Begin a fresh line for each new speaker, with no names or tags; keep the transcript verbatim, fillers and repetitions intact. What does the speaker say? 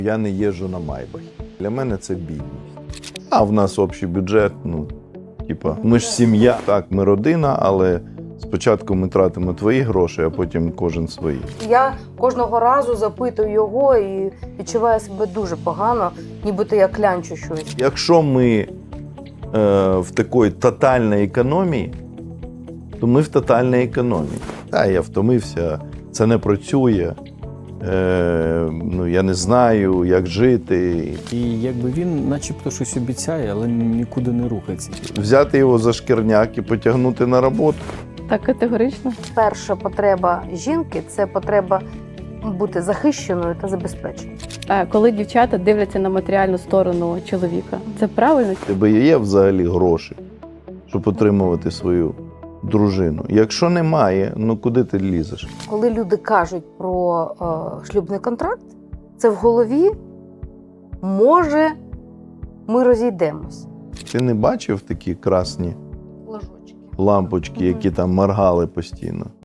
Я не їжджу на Майбахі. Для мене це бідність. А в нас общий бюджет, ну, типа, ми ж сім'я. Так, ми родина, але спочатку ми тратимо твої гроші, а потім кожен свої.
Я кожного разу запитую його і відчуваю себе дуже погано, нібито я клянчу щось.
Якщо ми е, в такій тотальній економії, то ми в тотальній економії. Так, я втомився, це не працює. Е, ну, я не знаю, як жити.
І якби він начебто щось обіцяє, але нікуди не рухається.
Взяти його за шкірняк і потягнути на роботу.
Так категорично.
Перша потреба жінки – це потреба бути захищеною та забезпеченою.
А коли дівчата дивляться на матеріальну сторону чоловіка, це правильно?
У тебе є взагалі гроші, щоб отримувати свою дружину? Якщо немає, ну куди ти лізеш?
Коли люди кажуть про е, шлюбний контракт, це в голові може ми розійдемось.
Ти не бачив такі красні
Ложочки.
лампочки, які там моргали постійно?